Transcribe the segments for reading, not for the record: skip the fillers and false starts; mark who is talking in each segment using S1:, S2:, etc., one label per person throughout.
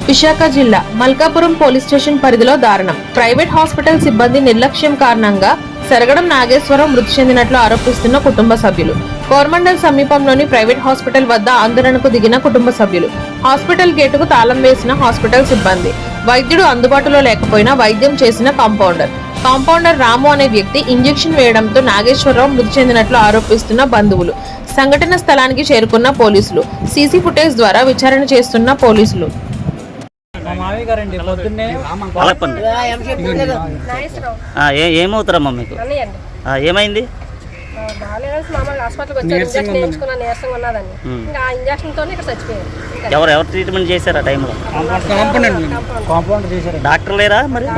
S1: విశాఖ జిల్లా Malkapuram police station పరిధిలో దారుణం. ప్రైవేట్ హాస్పిటల్ సిబ్బంది నిర్లక్ష్యం కారణంగా సరగడం నాగేశ్వరరావు మృతి చెందినట్లు ఆరోపిస్తున్న కుటుంబ సభ్యులు. కోరమండల్ సమీపంలోని ప్రైవేట్ హాస్పిటల్ వద్ద ఆందోళనకు దిగిన కుటుంబ సభ్యులు. హాస్పిటల్ గేటుకు తాళం వేసిన హాస్పిటల్ సిబ్బంది. వైద్యుడు అందుబాటులో లేకపోయినా వైద్యం చేసిన కాంపౌండర్ రాము అనే వ్యక్తి ఇంజెక్షన్ వేయడంతో నాగేశ్వరరావు మృతి చెందినట్లు ఆరోపిస్తున్న బంధువులు. సంఘటన స్థలానికి చేరుకున్న పోలీసులు. సీసీ ఫుటేజ్ ద్వారా విచారణ చేస్తున్న పోలీసులు.
S2: ఏమవుతారమ్మా మీకు? ఏమైంది? ఎవరు ట్రీట్మెంట్ చేశారు ఆ టైంలో? డాక్టర్ లేరా? మరి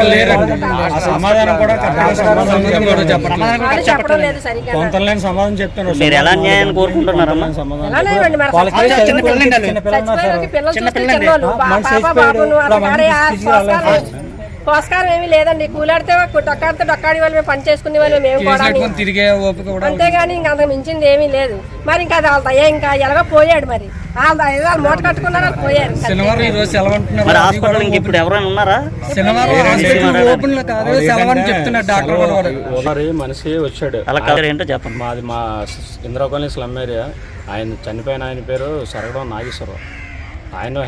S2: మీరు ఎలా న్యాయాన్ని కోరుకుంటున్నారమ్మా?
S3: పోస్కారం ఏమీ లేదండి. కూలాడితే డొక్కాడి వాళ్ళు మేము పని చేసుకునే వాళ్ళు మేము కూడా, అంతేగాని ఇంకా అంతకు మించింది ఏమీ లేదు. మరి ఇంకా అది వాళ్ళ దయ, ఇంకా ఎలాగో పోయాడు. మరి వాళ్ళు మూట కట్టుకున్నారు, వాళ్ళు పోయారు.
S2: ఇప్పుడు ఎవరైనా ఉన్నారా?
S4: మనిషి వచ్చాడు.
S2: అలా ఏంటో చెప్పండి.
S4: మాది మా ఇందిరా కాలనీ స్లమ్ ఏరియా. ఆయన చనిపోయిన ఆయన పేరు సరగడం నాగేశ్వరరావు. ఆయన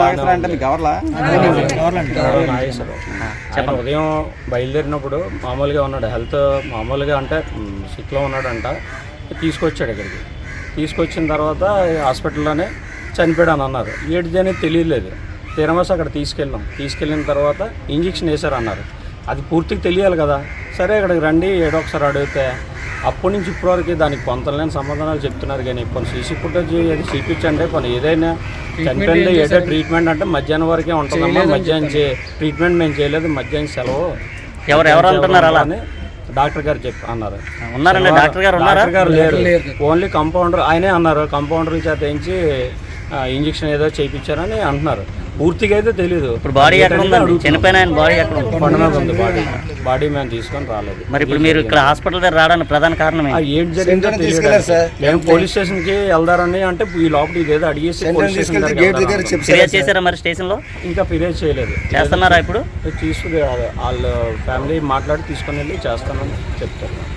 S4: ఉదయం బయలుదేరినప్పుడు మామూలుగా ఉన్నాడు. హెల్త్ మామూలుగా అంటే సిక్లో ఉన్నాడంట. తీసుకొచ్చాడు ఇక్కడికి. తీసుకొచ్చిన తర్వాత హాస్పిటల్లోనే చనిపోయాడు అని అన్నారు. ఏడిది అనేది తెలియలేదు. తీరమేసి అక్కడ తీసుకెళ్ళిన తర్వాత ఇంజక్షన్ వేశారు అన్నారు. అది పూర్తిగా తెలియాలి కదా. సరే ఇక్కడికి రండి ఏడో ఒకసారి అడిగితే అప్పటి నుంచి ఇప్పటివరకు దానికి కొంతలేని సమాధానాలు చెప్తున్నారు. కానీ కొన్ని సీసీ ఫుటేజ్ అది చూపించండి. కొన్ని ఏదైనా చనిపోయింది ఏదో ట్రీట్మెంట్ అంటే మధ్యాహ్నం వరకే ఉంటుందమ్మా. మధ్యాహ్నం ట్రీట్మెంట్ మేము చేయలేదు, మధ్యాహ్నం సెలవు.
S2: ఎవరు అంటున్నారు అలా అని
S4: డాక్టర్ గారు అన్నారు.
S2: ఉన్నారండి? డాక్టర్ గారు
S4: లేరు. ఓన్లీ కంపౌండర్ ఆయనే అన్నారు. కంపౌండర్ చేత వేయించి ఇంజక్షన్ ఏదో చేయించారని అంటున్నారు. పూర్తిగా అయితే తెలీదు.
S2: ఇప్పుడు బాడీ ఎక్కడ ఉందండి? చనిపోయిన ఆయన బాడీ ఎక్కడ ఉంది?
S4: కొండ మీద ఉంది బాడీ మేము తీసుకొని రాలేదు.
S2: మరి ఇప్పుడు మీరు ఇక్కడ హాస్పిటల్ దగ్గర రావడానికి ప్రధాన కారణం
S4: ఏంటి జరిగిందో తెలియదు. మేము పోలీస్ స్టేషన్ కి వెళ్దారని అంటే ఈ లోపల ఇదేదో అడిగేసి
S2: ఫిర్యాదు చేశారా? మరి స్టేషన్ లో
S4: ఇంకా ఫిర్యాదు చేయలేదు.
S2: చేస్తున్నారా? ఇప్పుడు
S4: తీసుకుని వాళ్ళ ఫ్యామిలీ మాట్లాడి తీసుకొని వెళ్ళి చేస్తానని చెప్తారు.